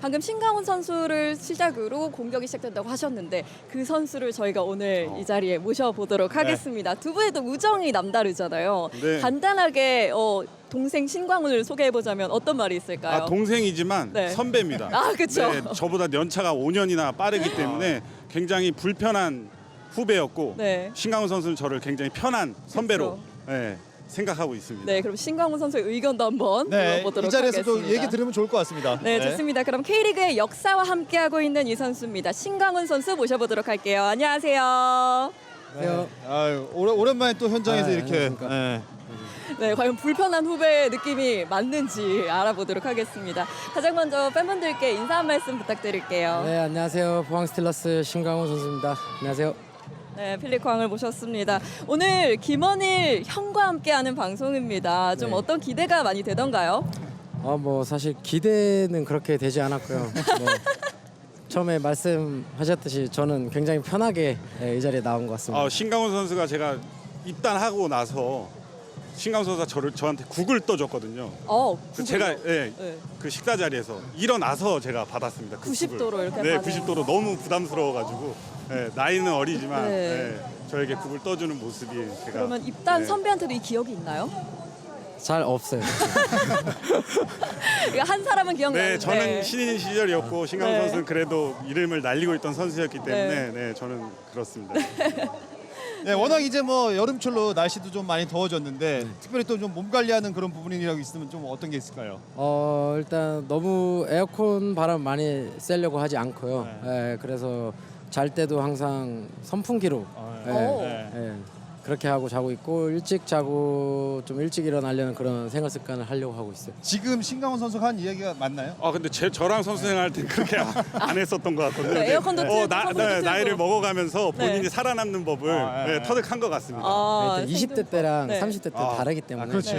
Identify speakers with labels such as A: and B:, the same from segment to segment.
A: 방금 신강훈 선수를 시작으로 공격이 시작된다고 하셨는데 그 선수를 저희가 오늘 이 자리에 모셔보도록 하겠습니다. 두 분의 또 우정이 남다르잖아요.
B: 네.
A: 간단하게 동생 신광훈을 소개해보자면 어떤 말이 있을까요?
B: 아, 동생이지만
A: 네.
B: 선배입니다.
A: 아, 그쵸.
B: 네, 저보다 연차가 5년이나 빠르기 때문에 굉장히 불편한 후배였고
A: 네.
B: 신강훈 선수는 저를 굉장히 편한 선배로 네, 생각하고 있습니다.
A: 네, 그럼 신광훈 선수의 의견도 한번
C: 네,
A: 들어보도록
C: 이 자리에서도
A: 하겠습니다.
C: 얘기 들으면 좋을 것 같습니다.
A: 네, 좋습니다. 그럼 K리그의 역사와 함께하고 있는 이 선수입니다. 신광훈 선수 모셔보도록 할게요. 안녕하세요.
C: 네. 아유, 오랜만에 또 현장에서 이렇게. 네.
A: 네, 과연 불편한 후배의 느낌이 맞는지 알아보도록 하겠습니다. 가장 먼저 팬분들께 인사 한 말씀 부탁드릴게요.
D: 네, 안녕하세요. 포항 스틸러스 신광훈 선수입니다. 안녕하세요.
A: 네, 필리광을 모셨습니다. 오늘 김원일 형과 함께하는 방송입니다. 좀
D: 네.
A: 어떤 기대가 많이 되던가요?
D: 뭐 사실 기대는 그렇게 되지 않았고요. 뭐 처음에 말씀하셨듯이 저는 굉장히 편하게 이 자리에 나온 것 같습니다.
B: 신강훈 선수가 제가 입단하고 나서 신강훈 선수가 저한테 국을 떠줬거든요. 그 제가
A: 네.
B: 그 식사 자리에서 일어나서 제가 받았습니다. 그
A: 90도로
B: 국을.
A: 이렇게
B: 네,
A: 받아요.
B: 90도로 너무 부담스러워가지고 나이는 어리지만
A: 네.
B: 저에게 국을 떠주는 모습이 제가
A: 그러면 입단
B: 네.
A: 선배한테도 이 기억이 있나요?
D: 잘 없어요.
A: 이거 한 사람은 기억나는데.
B: 네, 저는 신인 시절이었고 신강훈
A: 네.
B: 선수는 그래도 이름을 날리고 있던 선수였기 때문에 네, 저는 그렇습니다.
C: 네, 워낙 이제 뭐 여름철로 날씨도 좀 많이 더워졌는데 특별히 또 좀 몸 관리하는 그런 부분이라고 있으면 좀 어떤 게 있을까요?
D: 일단 너무 에어컨 바람 많이 쐬려고 하지 않고요. 그래서 잘 때도 항상 선풍기로
A: 오.
D: 그렇게 하고 자고 있고 일찍 자고 좀 일찍 일어나려는 그런 생활 습관을 하려고 하고 있어요.
C: 지금 신강훈 선수가 한 이야기가 맞나요?
B: 근데 저랑 선수 생활할 때 그렇게 안 했었던 것 같거든요.
A: 네, 에어컨도 틀고 선풍기도 틀고.
B: 나이를 먹어가면서 본인이
A: 네.
B: 살아남는 법을 터득한 것 같습니다.
D: 일단 20대 때랑
A: 네.
D: 30대 때 다르기 때문에.
C: 그렇지.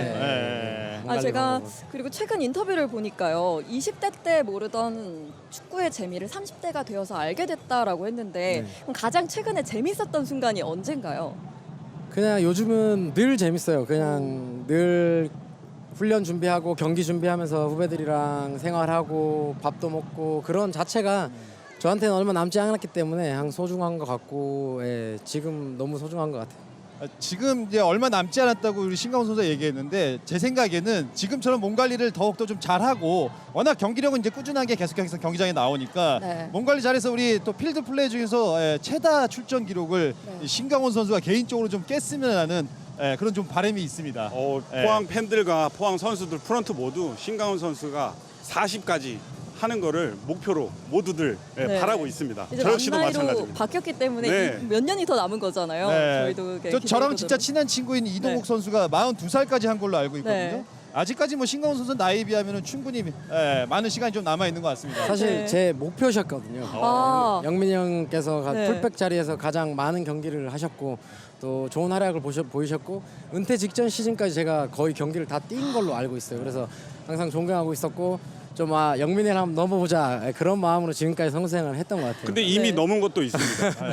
D: 몸
A: 제가
D: 관리하고.
A: 그리고 최근 인터뷰를 보니까요. 20대 때 모르던 축구의 재미를 30대가 되어서 알게 됐다라고 했는데 그럼 가장 최근에 재밌었던 순간이 언젠가요?
D: 그냥 요즘은 늘 재밌어요. 그냥 늘 훈련 준비하고 경기 준비하면서 후배들이랑 생활하고 밥도 먹고 그런 자체가 저한테는 얼마 남지 않았기 때문에 항상 소중한 것 같고 지금 너무 소중한 것 같아요.
C: 지금 이제 얼마 남지 않았다고 우리 신강훈 선수가 얘기했는데 제 생각에는 지금처럼 몸 관리를 더욱더 좀 잘하고 워낙 경기력은 이제 꾸준하게 계속해서 경기장에 나오니까
A: 네.
C: 몸 관리 잘해서 우리 또 필드 플레이 중에서 최다 출전 기록을
A: 네.
C: 신강훈 선수가 개인적으로 좀 깼으면 하는 그런 좀 바람이 있습니다.
B: 포항 팬들과 포항 선수들 프런트 모두 신강훈 선수가 40까지 하는 거를 목표로 모두들
A: 네.
B: 바라고 있습니다.
A: 이제
B: 저 역시도
A: 만 나이로
B: 마찬가지입니다.
A: 바뀌었기 때문에
B: 네.
A: 몇 년이 더 남은 거잖아요. 저희도
C: 저랑 진짜 친한 친구인 이동욱
A: 네.
C: 선수가 42살까지 한 걸로 알고 있거든요.
A: 네.
C: 아직까지 뭐 신강훈 선수 나이에 비하면 충분히 많은 시간이 좀 남아 있는 것 같습니다.
D: 사실
A: 네.
D: 제 목표셨거든요.
A: 아.
D: 영민이 형께서
A: 네.
D: 풀백 자리에서 가장 많은 경기를 하셨고 또 좋은 활약을 보이셨고 은퇴 직전 시즌까지 제가 거의 경기를 다 뛴 걸로 알고 있어요. 그래서 항상 존경하고 있었고 좀 영민이를 한번 넘어보자 그런 마음으로 지금까지 성생을 했던 것 같아요.
B: 근데 이미
A: 네.
B: 넘은 것도 있습니다.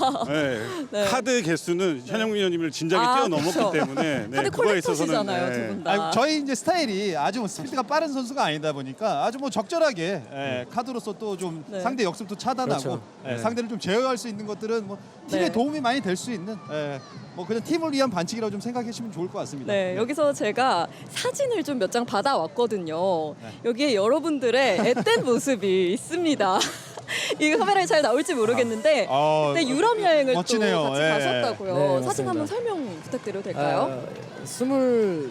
A: 네.
B: 카드 개수는 현영민 의원님을 진작에 뛰어넘었기
A: 그렇죠.
B: 때문에
A: 카드
B: 그거에 있어서는
A: 콜렉터시잖아요, 두 분 다.
C: 아니, 저희 이제 스타일이 아주 뭐 스피드가 빠른 선수가 아니다 보니까 아주 뭐 적절하게 카드로서 또 좀
A: 네.
C: 상대 역습도 차단하고
D: 그렇죠. 네.
C: 상대를 좀 제어할 수 있는 것들은 뭐 팀에
A: 네.
C: 도움이 많이 될 수 있는 뭐 그냥 팀을 위한 반칙이라고 좀 생각해 주시면 좋을 것 같습니다.
A: 네, 여기서 제가 사진을 좀 몇 장 받아왔거든요.
C: 네.
A: 여기에 여러분들의 앳된 모습이 있습니다. 이 카메라에 잘 나올지 모르겠는데 그때 유럽 여행을
C: 멋지네요.
A: 또 같이
C: 예.
A: 가셨다고요.
D: 네,
A: 사진
D: 맞습니다.
A: 한번 설명 부탁드려도 될까요?
D: 25,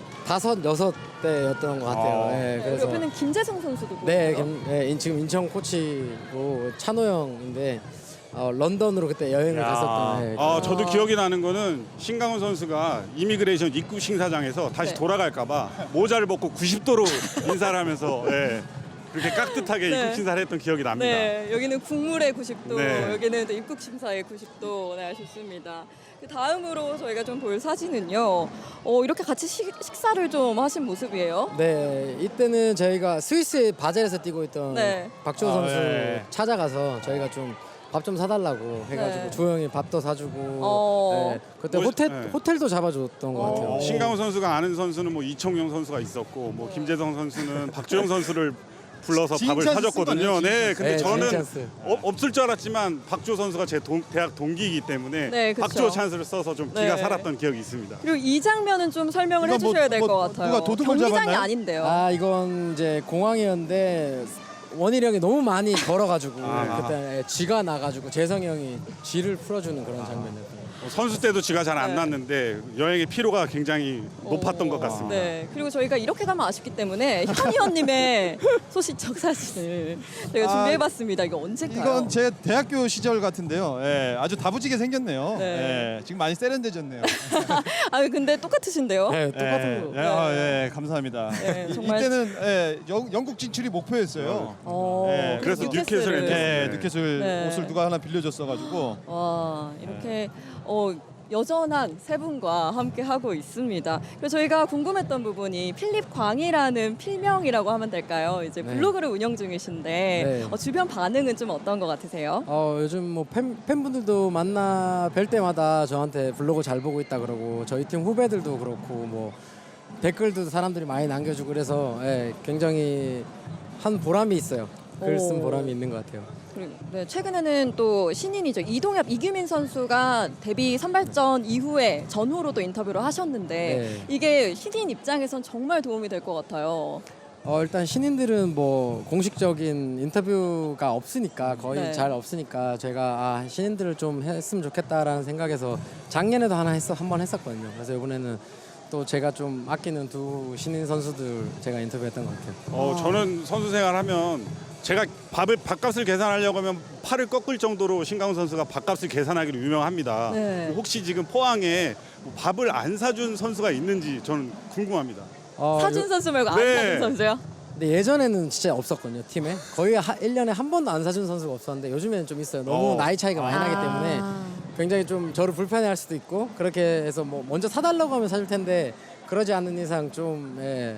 D: 6대였던 것 같아요. 그래서
A: 옆에는 김재성 선수도
D: 네,
A: 보이고요.
D: 지금 인천 코치고 찬호 형인데 런던으로 그때 여행을 갔었던.
B: 저도 기억이 나는 거는 신강훈 선수가 이미그레이션 입국 심사장에서 다시
A: 네.
B: 돌아갈까봐 모자를 벗고 90도로 인사를 하면서 그렇게 깍듯하게
A: 네.
B: 입국 심사를 했던 기억이 납니다.
A: 네, 여기는 국물의 90도,
B: 네.
A: 여기는 또 입국 심사의 90도. 네, 좋습니다. 그 다음으로 저희가 좀 볼 사진은요. 이렇게 같이 식사를 좀 하신 모습이에요.
D: 네, 이때는 저희가 스위스 바젤에서 뛰고 있던
A: 네.
D: 박주호 선수
C: 네.
D: 찾아가서 저희가 좀 밥 좀 사달라고 해가지고
A: 네.
D: 주호 형이 밥도 사주고 네, 그때
B: 뭐,
D: 호텔도 잡아줬던 것 같아요.
B: 신강훈 선수가 아는 선수는 뭐 이청용 선수가 있었고 뭐 김재성 선수는 박주영 선수를 불러서 밥을
C: 진찬스
B: 사줬거든요.
C: 쓴 거네요,
B: 네, 근데
D: 네,
B: 저는
D: 진찬스.
B: 없을 줄 알았지만 박주호 선수가 제 대학 동기이기 때문에
A: 네, 그쵸.
B: 박주호 찬스를 써서 좀 기가
A: 네.
B: 살았던 기억이 있습니다.
A: 그리고 이 장면은 좀 설명을
C: 이건 뭐-
A: 해주셔야 될 것
C: 뭐
A: 같아요.
C: 누가 도둑을
A: 경기장이
C: 잡았나요?
A: 아닌데요.
D: 아 이건 이제 공항이었는데 원일이 형이 너무 많이 걸어가지고
B: 아.
D: 그때 쥐가 나가지고 재성이 형이 쥐를 풀어주는 그런 장면이었어요.
B: 선수 때도 쥐가 잘 안
A: 네.
B: 났는데 여행의 피로가 굉장히 높았던 것 같습니다.
A: 네, 그리고 저희가 이렇게 가면 아쉽기 때문에 현희원님의 소시적 사진을 저희가
C: 아,
A: 준비해봤습니다. 이거 언제까요?
C: 이건 제 대학교 시절 같은데요. 예, 아주 다부지게 생겼네요.
A: 네.
C: 예, 지금 많이 세련되졌네요.
A: 아 근데 똑같으신데요?
D: 네, 똑같은 거.
C: 예, 감사합니다.
A: 네, 정말-
C: 이때는 영국 진출이 목표였어요.
A: 어,
B: 그래서 뉴캐슬
A: 뉴캐슬을.
B: 엔더슨.
C: 네,
B: 네.
C: 뉴캐슬
A: 네.
C: 옷을 누가 하나 빌려줬어가지고
A: 와 이렇게 여전한 세 분과 함께 하고 있습니다. 그리고 저희가 궁금했던 부분이 필립 광이라는 필명이라고 하면 될까요? 이제
D: 네.
A: 블로그를 운영 중이신데
D: 네.
A: 주변 반응은 좀 어떤 것 같으세요?
D: 요즘 뭐 팬분들도 만나 뵐 때마다 저한테 블로그 잘 보고 있다 그러고 저희 팀 후배들도 그렇고 뭐 댓글도 사람들이 많이 남겨주고 그래서 굉장히 한 보람이 있어요. 글 쓴
A: 오.
D: 보람이 있는 것 같아요.
A: 그리고 네, 최근에는 또 신인이죠. 이동엽, 이규민 선수가 데뷔 선발전 이후에 전후로도 인터뷰를 하셨는데
D: 네.
A: 이게 신인 입장에선 정말 도움이 될 것 같아요.
D: 일단 신인들은 뭐 공식적인 인터뷰가 없으니까 거의
A: 네.
D: 잘 없으니까 제가 신인들을 좀 했으면 좋겠다라는 생각에서 작년에도 한 번 했었거든요. 그래서 이번에는 또 제가 좀 아끼는 두 신인 선수들 제가 인터뷰했던 것 같아요.
B: 저는 선수 생활하면 제가 밥값을 계산하려고 하면 팔을 꺾을 정도로 신강훈 선수가 밥값을 계산하기로 유명합니다.
A: 네.
B: 혹시 지금 포항에 밥을 안 사준 선수가 있는지 저는 궁금합니다.
A: 사준 선수 말고 안
B: 네.
A: 사준 선수요?
D: 근데 예전에는 진짜 없었거든요. 팀에 거의 1년에 한 번도 안 사준 선수가 없었는데 요즘에는 좀 있어요. 너무 나이 차이가 많이 나기 때문에 굉장히 좀 저를 불편해할 수도 있고 그렇게 해서 뭐 먼저 사달라고 하면 사줄 텐데 그러지 않는 이상 좀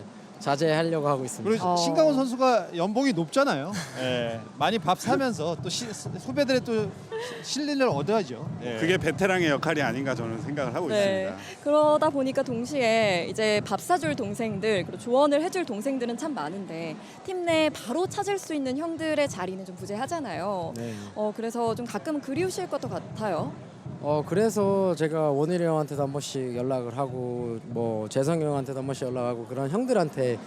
D: 자제하려고 하고 있습니다.
C: 그리고 신강훈 선수가 연봉이 높잖아요. 예, 많이 밥 사면서 또 후배들의 또 신뢰를 얻어야죠. 예.
B: 그게 베테랑의 역할이 아닌가 저는 생각을 하고
A: 네.
B: 있습니다.
A: 그러다 보니까 동시에 이제 밥 사줄 동생들 그리고 조언을 해줄 동생들은 참 많은데 팀 내 바로 찾을 수 있는 형들의 자리는 좀 부재하잖아요.
D: 네.
A: 그래서 좀 가끔 그리우실 것도 같아요.
D: 그래서 제가 원일이 형한테도 한 번씩 연락을 하고 뭐 재성이 형한테도 한 번씩 연락하고 그런 형들한테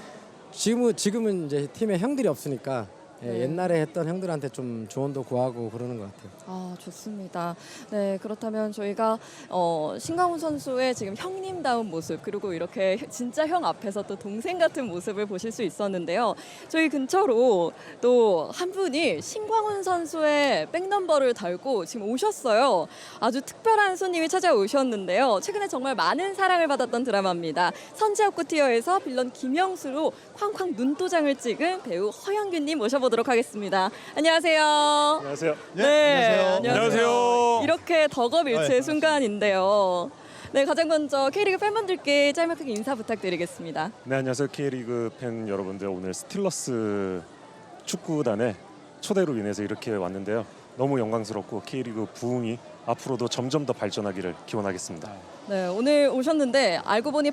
D: 지금은 이제 팀에 형들이 없으니까
A: 네.
D: 옛날에 했던 형들한테 좀 조언도 구하고 그러는 것 같아요.
A: 아 좋습니다. 네 그렇다면 저희가 신강훈 선수의 지금 형님다운 모습 그리고 이렇게 진짜 형 앞에서 또 동생 같은 모습을 보실 수 있었는데요. 저희 근처로 또 한 분이 신광훈 선수의 백넘버를 달고 지금 오셨어요. 아주 특별한 손님이 찾아오셨는데요. 최근에 정말 많은 사랑을 받았던 드라마입니다. 선지압구티어에서 빌런 김영수로 쾅쾅 눈도장을 찍은 배우 허영균님 모셔보도록 하겠습니다. 안녕하세요.
E: 안녕하세요.
C: 네,
B: 안녕하세요.
A: 이렇게 덕업일체의
C: 네,
A: 순간인데요. 네, 가장 먼저 K리그 팬분들께 짤막하게 인사 부탁드리겠습니다.
E: 네, 안녕하세요. K리그 팬 여러분들. 오늘 스틸러스 축구단의 초대로 인해서 이렇게 왔는데요. 너무 영광스럽고 K리그 부흥이 앞으로도 점점 더 발전하기를 기원하겠습니다.
A: 네, 오늘 오셨는데 알고 보니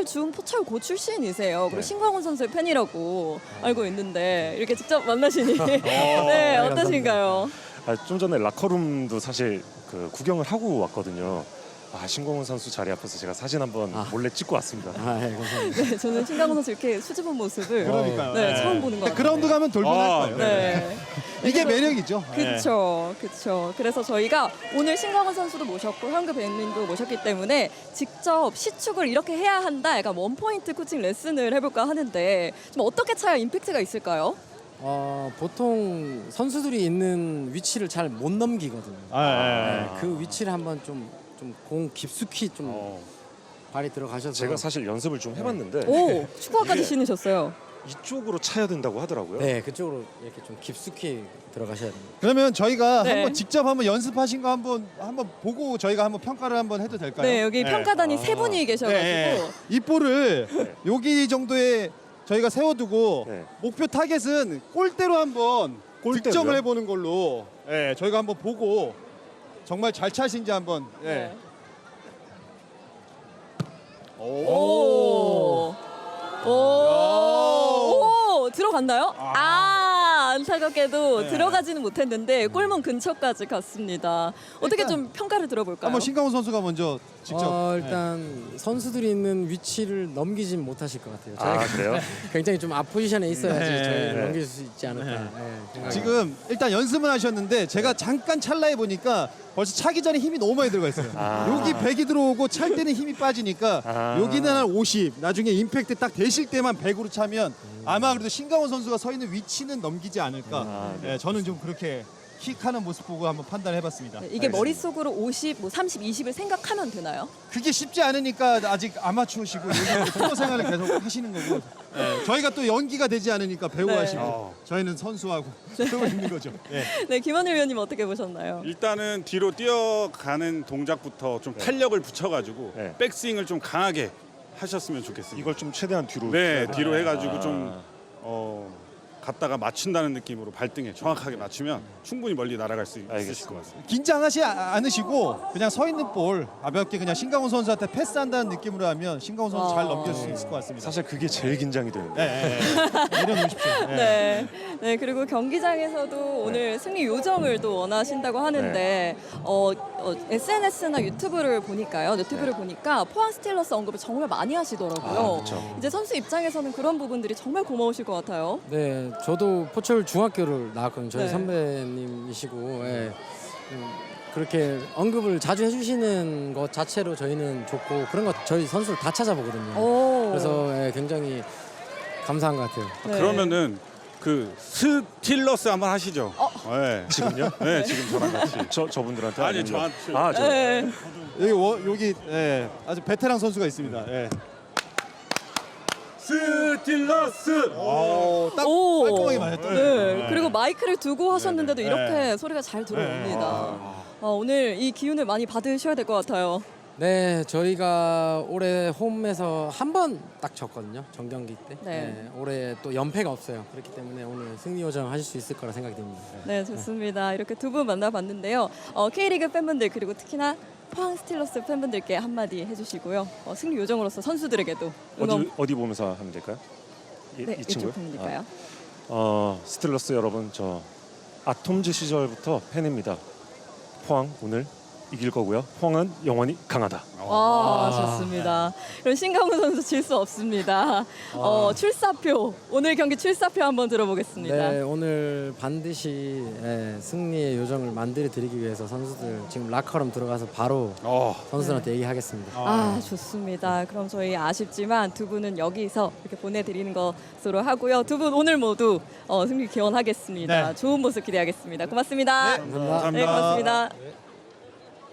A: 포철고 출신이세요. 그리고
E: 네.
A: 신광훈 선수의 팬이라고 알고 있는데 이렇게 직접 만나시니 네, 어떠신가요?
E: 좀 전에 라커룸도 사실 구경을 하고 왔거든요. 신광훈 선수 자리 앞에서 제가 사진 한번 몰래 찍고 왔습니다.
D: 감사합니다.
A: 네, 저는 신광훈 선수 이렇게 수줍은 모습을
C: 그러니까요.
A: 네, 처음 보는 것 같아요.
C: 그라운드 가면 돌변할 거예요.
A: 네.
C: 이게 매력이죠.
A: 그렇죠, 그렇죠. 그래서 저희가 오늘 신광훈 선수도 모셨고 현규 배우님도 모셨기 때문에 직접 시축을 이렇게 해야 한다, 약간 원포인트 코칭 레슨을 해볼까 하는데 좀 어떻게 차야 임팩트가 있을까요?
D: 보통 선수들이 있는 위치를 잘 못 넘기거든요. 그 위치를 한번 좀 공 깊숙이 좀 발이 들어가셔서
E: 제가 사실 연습을 좀 해봤는데
A: 오, 축구화까지 신으셨어요.
E: 이쪽으로 차야 된다고 하더라고요.
D: 네 그쪽으로 이렇게 좀 깊숙이 들어가셔야 됩니다.
C: 그러면 저희가
A: 네.
C: 한번 직접 한번 연습하신 거 한번 보고 저희가 한번 평가를 한번 해도 될까요?
A: 네, 여기 평가단이 세 분이 계셔가지고
C: 네. 이 볼을 여기 정도에 저희가 세워두고
E: 네.
C: 목표 타겟은 골대로 한번
E: 골대로요?
C: 득점을 해보는 걸로 저희가 한번 보고 정말 잘 차신지 한번
A: 네.
C: 오.
A: 오, 오, 들어갔나요? 안타깝게도 들어가지는 못했는데 골문 근처까지 갔습니다. 어떻게
C: 일단
A: 좀 평가를 들어볼까요?
C: 한번 신강훈 선수가 먼저 직접
D: 일단 선수들이 있는 위치를 넘기진 못하실 것 같아요.
E: 아,
D: 저희가
E: 그래요?
D: 굉장히 좀 앞포지션에 있어야지
C: 네.
D: 저희를
E: 네.
D: 넘길 수 있지 않을까. 네, 생각이
C: 지금 일단 연습은 하셨는데 제가 잠깐 찰나에 보니까 벌써 차기 전에 힘이 너무 많이 들어가 있어요. 여기 100이 들어오고 찰 때는 힘이 빠지니까 여기는 한 50, 나중에 임팩트 딱 되실 때만 100으로 차면 아마 그래도 신강훈 선수가 서 있는 위치는 넘기지 않을까. 네, 저는 좀 그렇게 킥하는 모습 보고 한번 판단해봤습니다.
A: 네, 이게 머릿속으로 50, 뭐 30, 20을 생각하면 되나요?
C: 그게 쉽지 않으니까 아직 아마추어시고 요즘 프로 생활을 계속 하시는 거고 저희가 또 연기가 되지 않으니까 배우
A: 네.
C: 하시고 저희는 선수하고 그러고 있는 거죠. 네.
A: 네, 김원일 위원님 어떻게 보셨나요?
B: 일단은 뒤로 뛰어가는 동작부터 좀 탄력을 붙여가지고
E: 네.
B: 백스윙을 좀 강하게 하셨으면 좋겠습니다.
E: 이걸 좀 최대한 뒤로.
B: 네,
E: 쳐야
B: 뒤로
E: 돼요.
B: 해가지고 좀 갔다가 맞춘다는 느낌으로 발등에 정확하게 맞추면 충분히 멀리 날아갈 수 있을
E: 알겠습니다.
B: 것 같습니다.
C: 긴장하지 않으시고 그냥 서 있는 볼 가볍게 그냥 신강훈 선수한테 패스한다는 느낌으로 하면 신강훈 선수 잘 넘길 수 있을 것 같습니다.
E: 사실 그게 제일 긴장이 되는데.
C: 네, 내려놓으십시오. 네.
A: 네. 네, 그리고 경기장에서도 오늘 승리 요정을 또 원하신다고 하는데 SNS나 유튜브를 보니까요. 유튜브를 보니까 포항 스틸러스 언급을 정말 많이 하시더라고요.
E: 그렇죠.
A: 이제 선수 입장에서는 그런 부분들이 정말 고마우실 것 같아요.
D: 네, 저도 포철 중학교를 나왔거든요. 저희
A: 네.
D: 선배님이시고 그렇게 언급을 자주 해주시는 것 자체로 저희는 좋고 그런 거 저희 선수를 다 찾아보거든요.
A: 오.
D: 그래서 굉장히 감사한 것 같아요.
A: 네.
B: 그러면은 그 스틸러스 한번 하시죠. 네.
E: 지금요?
B: 네, 지금 저랑 같이.
E: 저분들한테
B: 아니,
E: 아니면-
B: 저한테.
E: 아, 저.
A: 네.
C: 여기 아주 베테랑 선수가 있습니다.
B: 스틸러스.
C: 딱
A: 오.
C: 깔끔하게 맞았죠.
A: 네. 그리고 마이크를 두고 하셨는데도
C: 네.
A: 이렇게 소리가 잘 들어옵니다. 오늘 이 기운을 많이 받으셔야 될 것 같아요.
D: 네, 저희가 올해 홈에서 한 번 딱 졌거든요. 정경기 때.
A: 네.
D: 올해 또 연패가 없어요. 그렇기 때문에 오늘 승리 요정 하실 수 있을 거라 생각이 듭니다.
A: 네, 좋습니다. 이렇게 두 분 만나봤는데요. K리그 팬분들 그리고 특히나 포항 스틸러스 팬분들께 한마디 해주시고요. 승리 요정으로서 선수들에게도 응원.
E: 어디 보면서 하면 될까요?
A: 네,
E: 이 친구요?
A: 이쪽 팬이니까요.
E: 스틸러스 여러분, 저 아톰즈 시절부터 팬입니다. 포항 오늘 이길 거고요. 포항은 영원히 강하다.
A: 와, 좋습니다. 그럼 신강훈 선수 질 수 없습니다. 출사표, 오늘 경기 출사표 한번 들어보겠습니다.
D: 네, 오늘 반드시 승리의 요정을 만들어 드리기 위해서 선수들 지금 라커룸 들어가서 바로 선수들한테 얘기하겠습니다.
A: 좋습니다. 그럼 저희 아쉽지만 두 분은 여기서 이렇게 보내드리는 것으로 하고요. 두 분 오늘 모두 승리 기원하겠습니다.
C: 네.
A: 좋은 모습 기대하겠습니다. 고맙습니다.
C: 감사합니다.
A: 네, 고맙습니다.